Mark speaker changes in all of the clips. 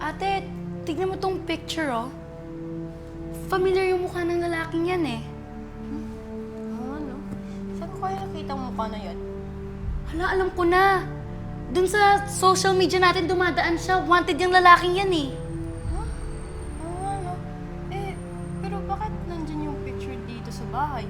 Speaker 1: Ate, tignan mo tong picture, oh. Familiar yung mukha ng lalaking yan, eh.
Speaker 2: Ano? Saan ko kaya nakita ang mukha na yan?
Speaker 1: Hala, alam ko na. Dun sa social media natin dumadaan siya. Wanted yung lalaking yan, eh.
Speaker 2: Huh? Ano? Pero bakit nandyan yung picture dito sa bahay?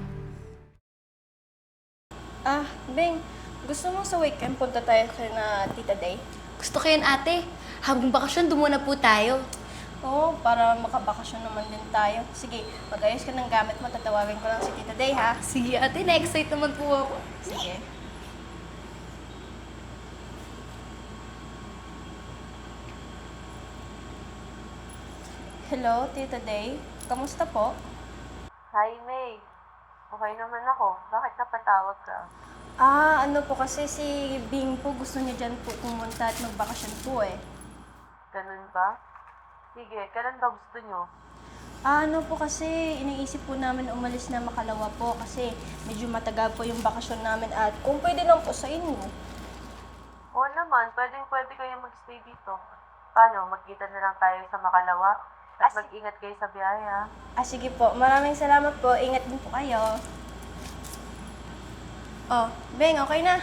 Speaker 2: Beng, gusto mo sa weekend punta tayo kay na Tita Day?
Speaker 1: Gusto ko yan, ate. Habang bakasyon, doon muna po tayo.
Speaker 2: Oo, para makabakasyon naman din tayo. Sige, mag-ayos ka ng gamit mo, tatawagin ko lang si Tita Day, ha?
Speaker 1: Sige, ate. Na-excite naman po ako.
Speaker 2: Sige. Hello, Tita Day. Kamusta po?
Speaker 3: Hi, May. Okay naman ako. Bakit napatawag ka?
Speaker 2: Ano po kasi si Bing po gusto niya dyan po pumunta at magbakasyon po eh.
Speaker 3: Ganun ba? Sige, kailan ba gusto nyo?
Speaker 2: Ano po kasi iniisip po namin umalis na Makalawa po kasi medyo matagal po yung bakasyon namin at kung pwede lang po sa inyo.
Speaker 3: Oo naman, pwede kayo magstay dito. Paano, magkita na lang tayo sa Makalawa? At mag-ingat kayo sa biyahe, ha?
Speaker 2: Sige po, maraming salamat po. Ingat din po kayo. Oh, Beng, okay na?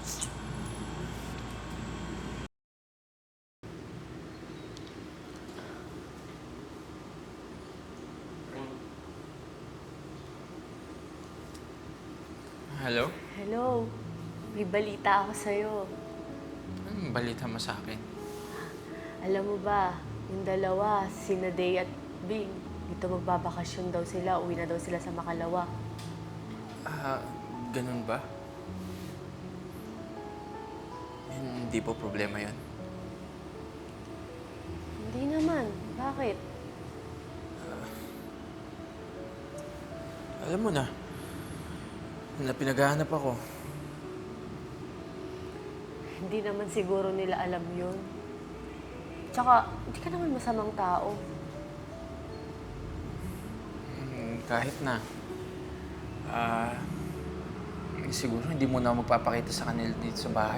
Speaker 4: Hello?
Speaker 5: Hello, may balita ako sa'yo.
Speaker 4: Anong balita mo sa akin?
Speaker 5: Alam mo ba, yung dalawa, sina Day at Bing, dito magbabakasyon daw sila, uwi na daw sila sa Makalawa.
Speaker 4: Ganun ba? Hindi po problema yon.
Speaker 5: Hindi naman, bakit?
Speaker 4: Alam mo na pinaghahanap ako.
Speaker 5: Hindi naman siguro nila alam yun. Tsaka, hindi ka naman masamang tao.
Speaker 4: Kahit na. Siguro hindi mo na magpapakita sa kanila dito sa bahay.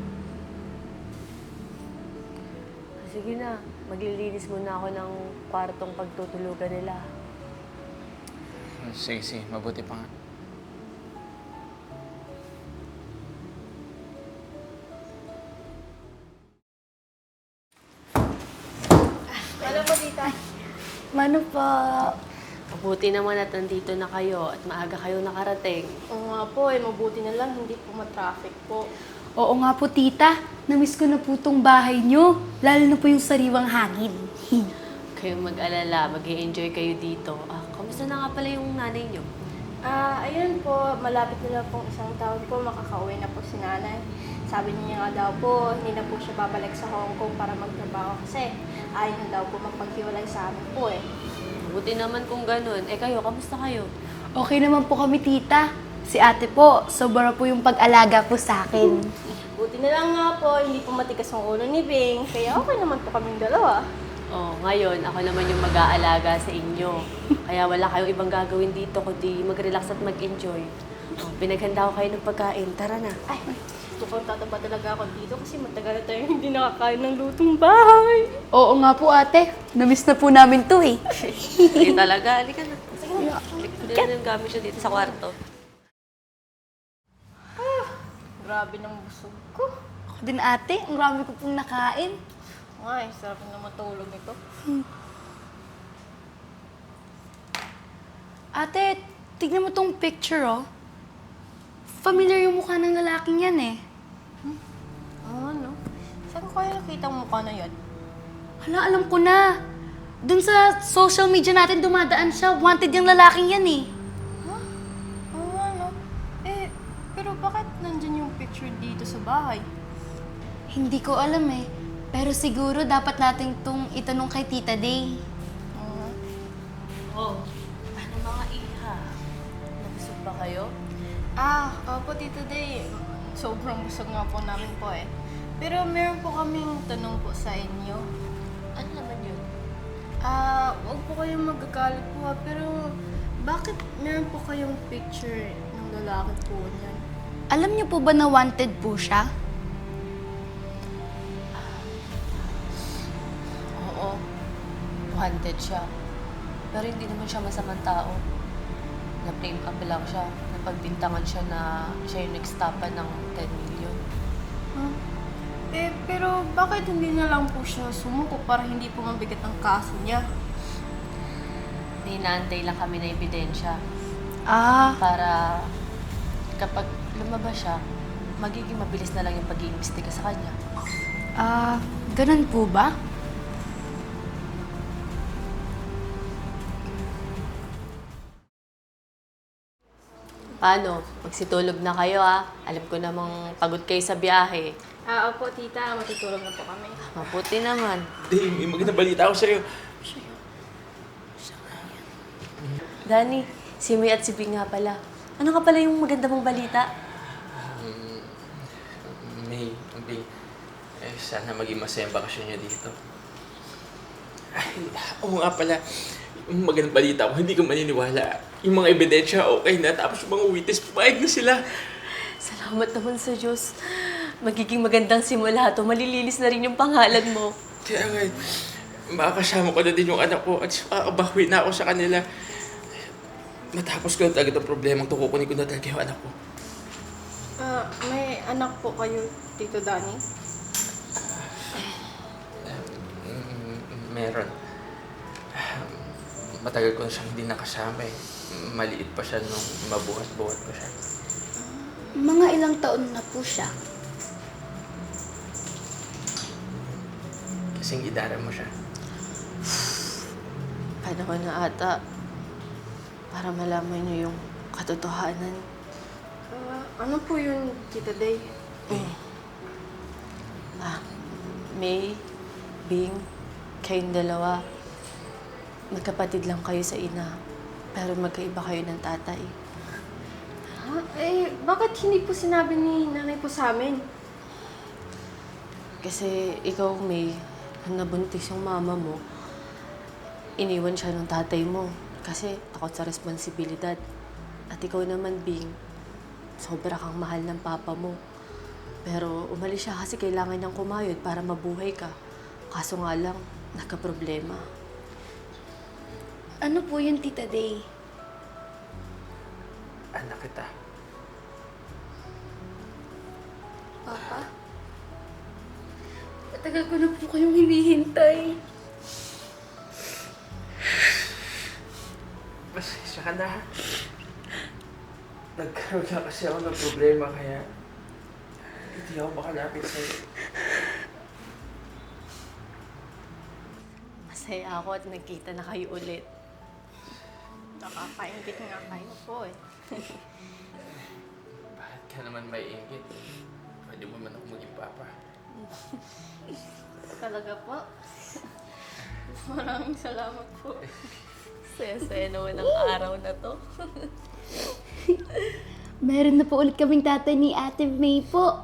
Speaker 5: Sige na, maglilinis muna ako ng kwartong pagtutulugan nila.
Speaker 4: Sige, mabuti pa nga.
Speaker 2: Ano po, Tita?
Speaker 1: Mano po?
Speaker 5: Mabuti naman at nandito na kayo at maaga kayo nakarating.
Speaker 2: Oo nga po mabuti na lang hindi po matraffic po.
Speaker 1: Oo nga po, tita. Namiss ko na po tong bahay nyo. Lalo na po yung sariwang hangin.
Speaker 5: Kayong mag-alala, mag-i-enjoy kayo dito. Kamusta na nga pala yung nanay niyo?
Speaker 2: Ayun po, malapit na lang pong isang taon po, makakauwi na po si nanay. Sabi niya nga daw po, hindi na po siya babalik sa Hong Kong para magtrabaho kasi ayaw na daw po magpaghiwalay sa amin po eh.
Speaker 5: Buti naman kung ganun. Kayo, kamusta kayo?
Speaker 1: Okay naman po kami, tita. Si ate po, sobra po yung pag-alaga po sa akin.
Speaker 2: Buti na lang nga po, hindi po matigas ang ulo ni Bing, kaya okay naman po kaming dalawa.
Speaker 5: Ngayon, ako naman yung mag-aalaga sa inyo. Kaya wala kayong ibang gagawin dito kundi mag-relax at mag-enjoy. Pinaghanda ko kayo ng pagkain. Tara na.
Speaker 2: Ay, mukhang tataba talaga ako dito kasi matagal na tayo hindi nakakain ng lutong bahay.
Speaker 1: Oo nga po, ate. Namiss na po namin to, eh.
Speaker 5: Sige talaga. Halika na. Sige na. Halika na yung gamit siya dito sa kwarto.
Speaker 2: Grabe ng busog ko.
Speaker 1: Ako din, ate. Ang rami ko pong nakain.
Speaker 2: Ay, sarap na matulog nito.
Speaker 1: Ate, tignan mo tong picture, oh. Familiar yung mukha ng lalaking yan, eh.
Speaker 2: Ano? Saan ko kaya nakita ang mukha na yan?
Speaker 1: Hala, alam ko na. Dun sa social media natin dumadaan siya. Wanted yung lalaking yan, eh.
Speaker 2: Ano? Pero bakit nandyan yung picture dito sa bahay?
Speaker 1: Hindi ko alam, eh. Pero siguro dapat natin itong itanong kay Tita Day.
Speaker 5: Ano mga iha? Nabusog ba kayo?
Speaker 2: Opo, Tita Day. Sobrang busog nga po namin po eh. Pero meron po kaming tanong po sa inyo.
Speaker 5: Ano naman yun?
Speaker 2: Huwag po kayong magagalit po pero bakit meron po kayong picture ng lalaki po niyan?
Speaker 1: Alam niyo po ba na wanted po siya?
Speaker 5: Oo, wanted siya. Pero hindi naman siya masamang tao. Na-frame up lang siya. Napagbintangan siya na siya yung nagstapa ng 10 million.
Speaker 2: Pero bakit hindi na lang po siya sumuko para hindi po mabigat ang kaso niya?
Speaker 5: May inaantay lang kami na ebidensya para kapag lumabas siya, magiging mabilis na lang yung pag-iimbestiga sa kanya.
Speaker 1: Ganun po ba?
Speaker 5: Paano? Magsitulog na kayo Alam ko namang pagod kayo sa biyahe.
Speaker 2: Opo, tita. Matutulog na po kami.
Speaker 5: Mabuti naman.
Speaker 4: Dave, may magandang balita ako sa'yo.
Speaker 5: Danny, si May at si Bing nga pala. Ano ka pala yung maganda mong balita?
Speaker 4: May, Bing, sana maging masaya ang bakasyon niya dito. Ay, oo nga pala. Yung magandang balita ko, hindi ko maniniwala. Yung mga ebidensya, okay na. Tapos yung mga witness, pumayag na sila.
Speaker 5: Salamat naman sa Diyos. Magiging magandang simula to. Malilinis na rin yung pangalan mo.
Speaker 4: Kaya nga, makakasama ko na din yung anak ko at makakabawi na ako sa kanila. Matapos ko na talaga ang problemang to, kukunin ko na talaga yung anak ko.
Speaker 2: May anak po kayo, Tito Danny?
Speaker 4: Meron. Matagal ko na siyang hindi nakasama eh. Maliit pa siya nung mabuhat-buhat ko siya.
Speaker 1: Mga ilang taon na po siya.
Speaker 4: Kasing idara mo siya.
Speaker 5: Panahon na ata para malaman niyo yung katotohanan.
Speaker 2: Ano po yun, Tita Day?
Speaker 5: May, Bing, kayong dalawa, magkapatid lang kayo sa ina, pero magkaiba kayo ng tatay.
Speaker 2: Bakit hindi po sinabi ni nanay po sa amin?
Speaker 5: Kasi ikaw, May, nung nabuntis yung mama mo, iniwan siya ng tatay mo kasi takot sa responsibilidad. At ikaw naman, Bing, sobra kang mahal ng papa mo. Pero umalis siya kasi kailangan niyang kumayod para mabuhay ka. Kaso nga lang, nagka-problema.
Speaker 1: Ano po yun, Tita Day?
Speaker 4: Anak kita.
Speaker 1: Papa? Matagal ko na po kayong hinihintay.
Speaker 4: Pasensya ka na. Nagkaroon na kasi ako ng problema kaya hindi ako makalapit sa'yo.
Speaker 5: Masaya ako at nagkita na kayo ulit.
Speaker 2: Nakakaingit nga kayo po eh.
Speaker 4: Bakit ka naman may inggit? Pwede mo man ako maging papa.
Speaker 2: Talaga po. Maraming salamat po.
Speaker 5: Saya-saya naman ang araw na to.
Speaker 1: Meron na po ulit kaming tatay ni Ate May po.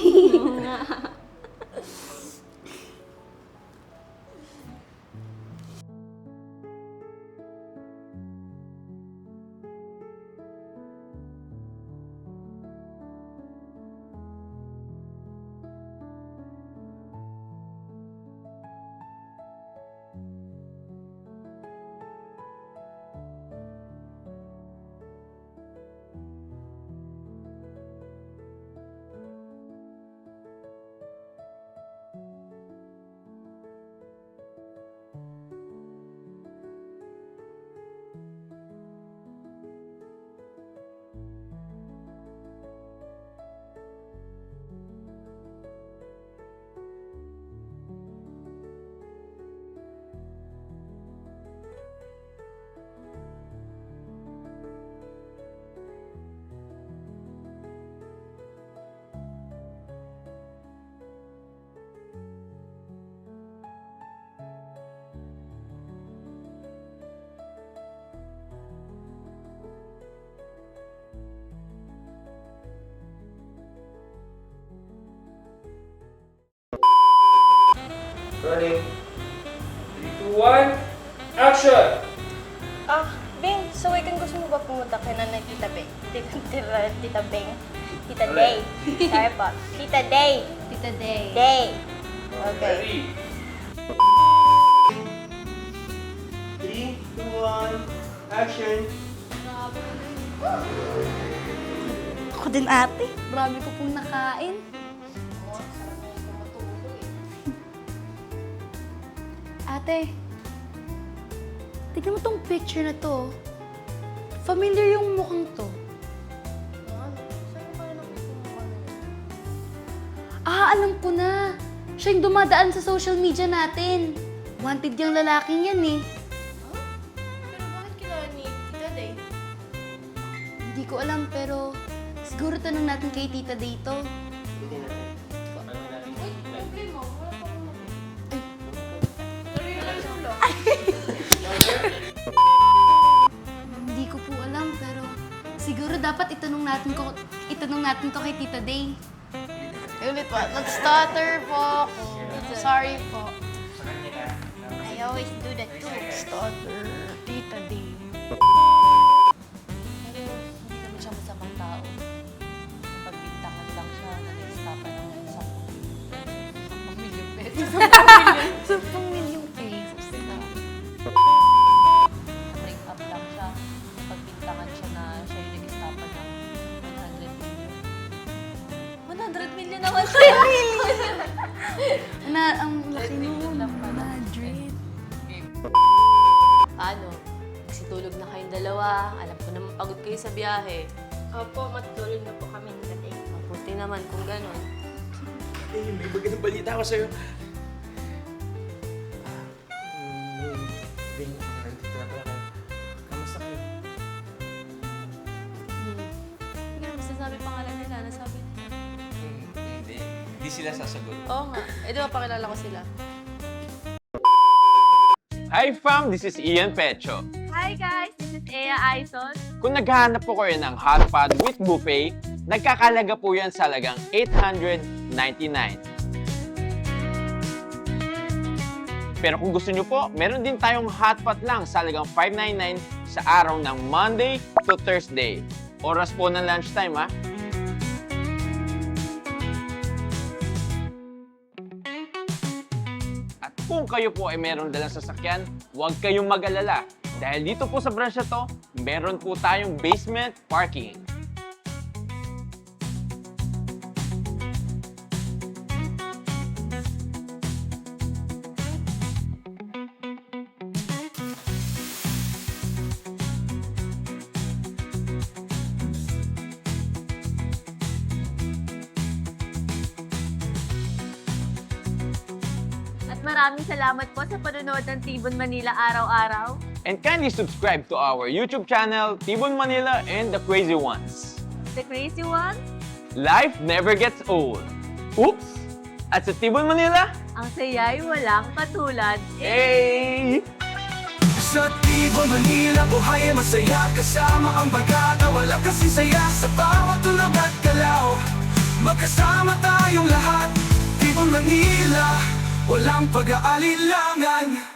Speaker 4: Running. 3, 2, 1, action!
Speaker 2: Bing, so weekend gusto mo ba pumunta kay nanay Tita Beng? Tita Beng? Tita
Speaker 4: Alin?
Speaker 2: Day. Sorry po. Tita Day.
Speaker 1: Tita Day.
Speaker 2: Day. Okay.
Speaker 4: Ready? Action!
Speaker 1: Ako din ate. Marami ko pong nakain. Ate, tignan mo tong picture na to. Familiar yung mukhang to. Ah, alam ko na. Siya yung dumadaan sa social media natin. Wanted yung lalaking yan eh.
Speaker 2: Pero bakit kilala ni Tita Day?
Speaker 1: Hindi ko alam pero siguro tanong natin kay Tita Day to. Hindi ko po alam pero siguro dapat itanong natin to kay Tita Day. Ulit po, nag-stutter po ako. Sorry po. I always do that too. Stutter, Tita Day.
Speaker 5: Pero hindi naman siya masamang tao. Pagbintangan lang siya, nag-stop ng 10 milyong pesos.
Speaker 1: 10 milyong pesos na.
Speaker 5: Break up lang siya. Pagbintangan siya na siya yung nag-stop ng 100 million. 100 million naman siya!
Speaker 1: Ang laki nun. Madrid.
Speaker 5: Paano? Nagsitulog na kayong dalawa. Alam ko naman pagod kayo sa biyahe.
Speaker 2: Opo, matulog na po kami ni Tita Day.
Speaker 5: Mabuti naman kung gano'n.
Speaker 4: Eh, may magandang balita ako sa'yo. Bing, nandito na pala kayo. Kamusta kayo?
Speaker 5: Hindi ka naman sinasabi pangalan nila. Nasabi nila.
Speaker 4: Hindi. Hindi sila sasagot.
Speaker 5: Oo nga. Eh, di ba pakilala ko sila?
Speaker 6: Hi fam, this is Ian Pecho.
Speaker 2: Hi guys, this is Ea Aizon.
Speaker 6: Kung naghahanap po kayo ng hot pot with buffet, nagkakalaga po yan sa halagang $899. Pero kung gusto nyo po, meron din tayong hot pot lang sa halagang $599 sa araw ng Monday to Thursday. Oras po ng lunchtime ha. At kung kayo po ay meron dalang sasakyan, huwag kayong mag-alala. Dahil dito po sa branch na to, meron po tayong basement parking.
Speaker 7: At maraming salamat po sa panonood ng Tibon Manila araw-araw.
Speaker 6: And kindly subscribe to our YouTube channel, Tibon Manila and the Crazy Ones.
Speaker 7: The Crazy Ones,
Speaker 6: Life never gets old. Oops! At sa Tibon Manila,
Speaker 7: ang saya'y walang katulad.
Speaker 6: hey!
Speaker 8: Sa Tibon, Manila, buhay ay masaya. Kasama ang bagata, wala kasi saya. Sa bawat tulog at galaw, magkasama tayong lahat. Tibon, Manila, walang pag-aalilangan.